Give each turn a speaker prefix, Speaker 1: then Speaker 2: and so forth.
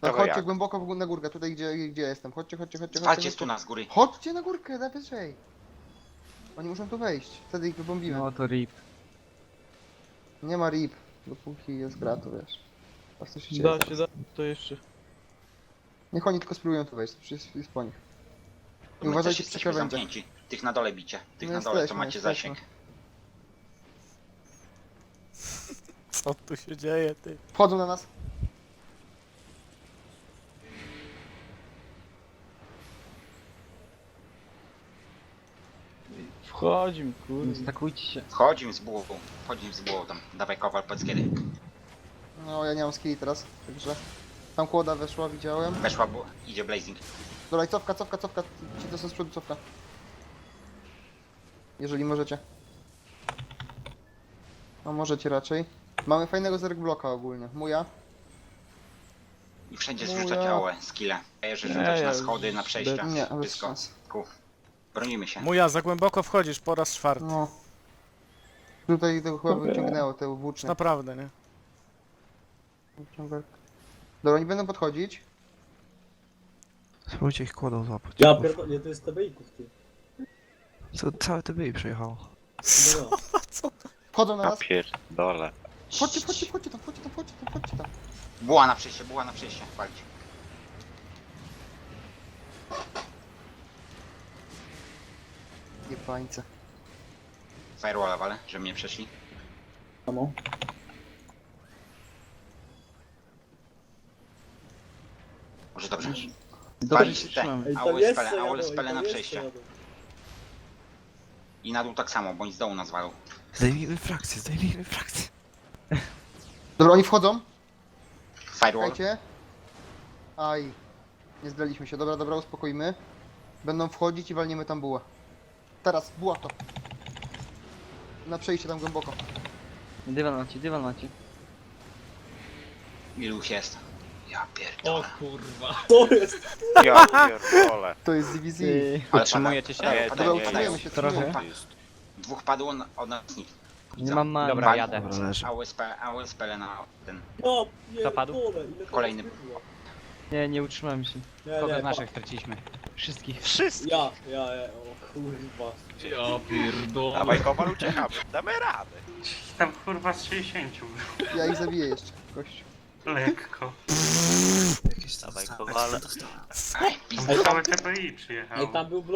Speaker 1: Tak,
Speaker 2: Dawaj,
Speaker 1: chodźcie
Speaker 2: jak?
Speaker 1: głęboko na górkę, tutaj gdzie jestem. Chodźcie.
Speaker 2: Walcie z tu na z góry.
Speaker 1: Chodźcie na górkę, najwyżej. Oni muszą tu wejść, wtedy ich wybombimy.
Speaker 3: No to rip.
Speaker 1: Nie ma rip, dopóki jest gra, to wiesz. Po prostu się
Speaker 4: Da
Speaker 1: dzieje.
Speaker 4: się, da. To jeszcze.
Speaker 1: Niech oni tylko spróbują tu wejść, to jest po nich. I
Speaker 2: My
Speaker 1: uważajcie
Speaker 2: też
Speaker 1: przy
Speaker 2: jesteśmy
Speaker 1: krawędziach.
Speaker 2: zamknięci. Tych na dole bicie. Tych
Speaker 1: No
Speaker 2: na dole, to
Speaker 1: jesteśmy,
Speaker 2: macie
Speaker 1: jesteśmy.
Speaker 2: zasięg.
Speaker 4: Co tu się dzieje, ty?
Speaker 1: Wchodzą na nas.
Speaker 4: Wchodzim, kurde.
Speaker 3: Stakujcie się.
Speaker 2: Wchodzi im z bułą. Wchodzi im z bułą tam. Dawaj kowal, powiedz kiedy.
Speaker 1: No ja nie mam skilli teraz, także... Tam kłoda weszła, widziałem.
Speaker 2: Weszła buła. Idzie Blazing.
Speaker 1: Dobra, i cofka. Ci to są z przodu, cofka. Jeżeli możecie. No możecie raczej. Mamy fajnego zerk bloka ogólnie. Muja.
Speaker 2: I wszędzie
Speaker 1: No
Speaker 2: zrzucać
Speaker 1: ja-
Speaker 2: AOE, skille. Że
Speaker 4: Nie,
Speaker 2: rzucać
Speaker 4: ja
Speaker 2: na
Speaker 4: już
Speaker 2: schody, na przejścia.
Speaker 1: Nie, bez
Speaker 2: Wszystko.
Speaker 1: szans.
Speaker 2: Bronimy się.
Speaker 4: Muja, za głęboko wchodzisz po raz czwarty.
Speaker 1: No. Tutaj to chyba
Speaker 4: Dobra.
Speaker 1: wyciągnęło te włócznie.
Speaker 4: Naprawdę, nie?
Speaker 1: Dobra, nie będą podchodzić.
Speaker 5: Spróbujcie ich kłodą złapać.
Speaker 6: Ja pierdolę, to jest TBI-ków, ty.
Speaker 5: Co, całe TBI przyjechało.
Speaker 6: Dobra.
Speaker 1: Wchodzą na
Speaker 7: Ja
Speaker 1: nas.
Speaker 7: pierdolę.
Speaker 1: Chodźcie tam.
Speaker 2: Buła na przejście, walcie.
Speaker 1: Jebańce.
Speaker 2: Firewalla wale, żeby mnie przeszli.
Speaker 6: Samo.
Speaker 2: Może dobrze.
Speaker 3: Dobrze
Speaker 2: Walić
Speaker 3: się
Speaker 2: te
Speaker 3: trzymamy.
Speaker 6: Ej, tam
Speaker 2: AOE
Speaker 6: jest
Speaker 2: spele,
Speaker 6: co
Speaker 2: AOE
Speaker 6: jadą,
Speaker 2: spele
Speaker 6: ej,
Speaker 2: na
Speaker 6: tam jest
Speaker 2: przejście.
Speaker 6: co jadą.
Speaker 2: I na dół tak samo, bądź z dołu nas walą.
Speaker 5: Zdejmijmy frakcję.
Speaker 1: Dobra, oni wchodzą.
Speaker 2: Firewall.
Speaker 1: Czekajcie. Aj. Nie zdraliśmy się. Dobra, uspokoimy. Będą wchodzić i walniemy tam bułę. Teraz, buła to. Na przejście tam głęboko.
Speaker 3: Dywan macie.
Speaker 2: Ilu ich jest? Ja pierdolę.
Speaker 6: To jest!
Speaker 7: Ja pierdolę.
Speaker 1: To jest DBZ.
Speaker 2: Ale
Speaker 3: Utrzymujecie się?
Speaker 2: padają,
Speaker 1: Dobra,
Speaker 2: padają.
Speaker 1: utrzymujemy się,
Speaker 3: Trochę.
Speaker 1: utrzymujemy.
Speaker 2: Dwóch padło od nas nikt.
Speaker 3: Nie mam mani.
Speaker 8: Dobra, jadę.
Speaker 5: Dobra, leży.
Speaker 2: AOE spele na ten.
Speaker 6: No,
Speaker 8: Kto padł?
Speaker 6: pierdolę, ile to
Speaker 2: Kolejny.
Speaker 6: jest kurwa.
Speaker 3: Nie utrzymałem się.
Speaker 6: Nie,
Speaker 8: Kogo
Speaker 6: nie,
Speaker 8: z naszych straciliśmy?
Speaker 3: Wszystkich.
Speaker 7: Wszyscy.
Speaker 6: Ja, o kurwa.
Speaker 7: Dawaj kowal, uciekamy. Damy radę.
Speaker 9: Tam kurwa z 60.
Speaker 1: Ja ich zabiję jeszcze. Gość.
Speaker 9: Lekko.
Speaker 7: Dawaj kowal.
Speaker 2: Aj, pizda.
Speaker 9: Tam całe TPI przyjechało.
Speaker 6: Ej, tam był